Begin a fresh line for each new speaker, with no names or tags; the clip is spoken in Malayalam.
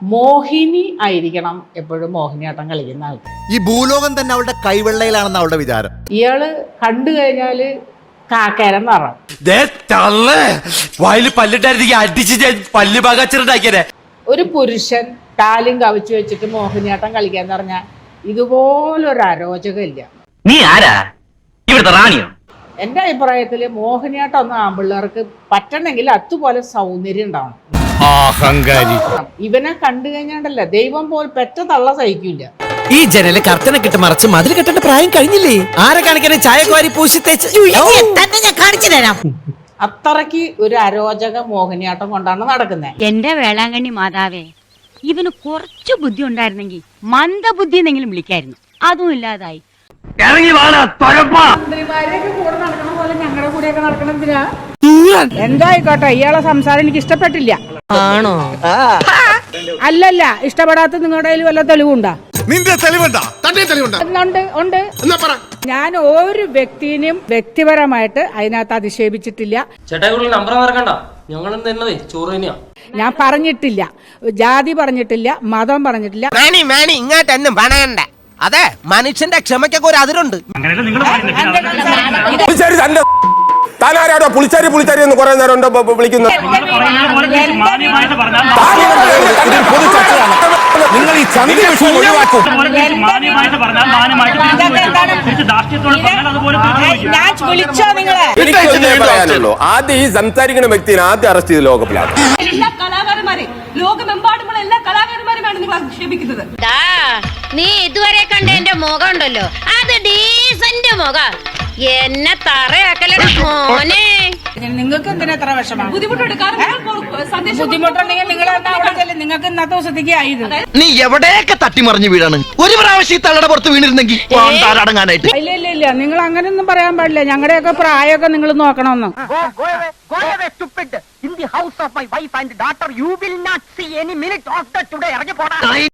മോഹിനി ആയിരിക്കണം എപ്പോഴും മോഹിനിയാട്ടം കളിക്കുന്ന ആൾക്ക്.
ഈ ഭൂലോകം തന്നെ അവളുടെ കൈവെള്ളയിലാണെന്ന് അവളുടെ വിചാരം.
ഇയാള് കണ്ടു കഴിഞ്ഞാല് കാക്കേരം നിറം. ഒരു പുരുഷൻ കാലും കവിച്ചു വെച്ചിട്ട് മോഹിനിയാട്ടം കളിക്കാന്ന് പറഞ്ഞാൽ ഇതുപോലൊരു അരോചകമില്ല.
നീ ആരാ? ഇവിടുത്തെ റാണിയോ?
എന്റെ അഭിപ്രായത്തില് മോഹിനിയാട്ടം ഒന്നും ആമ്പിള്ളേർക്ക് പറ്റണമെങ്കിൽ അതുപോലെ സൗന്ദര്യം ഉണ്ടാവണം. ഇവനെ കണ്ടു കഴിഞ്ഞാണ്ടല്ല ദൈവം പോൽ പെറ്റ തള്ള സഹിക്കില്ല.
ഈ ജനല് കർത്തനെ കിട്ട് മറച്ച് മതിൽ കെട്ടേണ്ട പ്രായം കഴിഞ്ഞില്ലേ? ആരെ കാണിക്കാനും ചായക്കോരി പൂശി ഞാൻ കാണിച്ചു തരാം.
അത്രയ്ക്ക് ഒരു അരോചക മോഹിനിയാട്ടം കൊണ്ടാണ് നടക്കുന്നത്.
എന്റെ വേളാങ്കണ്ണി മാതാവേ, ഇവന് കുറച്ചു ബുദ്ധി ഉണ്ടായിരുന്നെങ്കിൽ മന്ദബുദ്ധി എന്നെങ്കിലും വിളിക്കായിരുന്നു. അതും ഇല്ലാതായി.
മന്ത്രിമാരെയൊക്കെ കൂടെ നടക്കണ പോലെ ഞങ്ങളുടെ കൂടെയൊക്കെ നടക്കണതിനാ. എന്തായിക്കോട്ടെ, ഇയാളെ സംസാരം എനിക്ക് ഇഷ്ടപ്പെട്ടില്ല.
ആണോ?
അല്ലല്ല, ഇഷ്ടപ്പെടാത്ത നിങ്ങളുടെ കയ്യിൽ വല്ല തെളിവുണ്ടോ?
നിന്റെ തെളിവുണ്ടാ? തന്റെ തെളിവുണ്ടാ?
ഉണ്ട്. ഞാൻ ഒരു വ്യക്തിനെയും വ്യക്തിപരമായിട്ട് അതിനകത്ത് അധിക്ഷേപിച്ചിട്ടില്ല. ഞാൻ പറഞ്ഞിട്ടില്ല, ജാതി പറഞ്ഞിട്ടില്ല, മതം പറഞ്ഞിട്ടില്ല.
ഇങ്ങോട്ടൊന്നും പണയണ്ട. അതെ, മനുഷ്യന്റെ ക്ഷമയ്ക്കൊക്കെ ഒരു അതിരുണ്ട്.
താനാരാടോ പുളിച്ചാരി പുളിച്ചാരി എന്ന് കുറെ നേരം ഉണ്ടോ വിളിക്കുന്നത്? നിങ്ങൾ ഈ ചന്തി വിഷയം ഒഴിവാക്കും. എനിക്കൊന്നേ പറയാനുള്ളൂ, ആദ്യം ഈ സംസാരിക്കുന്ന വ്യക്തിനെ ആദ്യം അറസ്റ്റ് ചെയ്ത് ലോകപ്പിലാണ്.
എല്ലാ കലാകാരന്മാരെ, ലോകമെമ്പാടുമുള്ള എല്ലാ കലാകാരന്മാരെയാണ് നിങ്ങൾ ആക്ഷേപിക്കുന്നത്.
നീ ഇതുവരെ കണ്ട എന്റെ മുഖം ഉണ്ടല്ലോ, അത് ഡീസന്റ് മുഖം. എന്നെ തറയാക്കലട മോനെ.
നിങ്ങൾക്ക് എന്തിനാ എത്ര വിഷമം?
ബുദ്ധിമുട്ടുണ്ട്.
ബുദ്ധിമുട്ടുണ്ടെങ്കിൽ നിങ്ങൾ നിങ്ങൾക്ക് ഇന്നത്തെ ദിവസത്തേക്ക് ആയത്.
നീ എവിടെയൊക്കെ തട്ടിമറിഞ്ഞു വീഴാണ്. ഒരു പ്രാവശ്യം തള്ളയുടെ പുറത്ത് വീണിരുന്നെങ്കിൽ അടങ്ങാനായിട്ട്.
ഇല്ല, നിങ്ങൾ അങ്ങനെയൊന്നും പറയാൻ പാടില്ല. ഞങ്ങളുടെയൊക്കെ പ്രായമൊക്കെ നിങ്ങൾ നോക്കണമെന്ന്.
In the house of my wife and daughter, you will not see any minute of that today.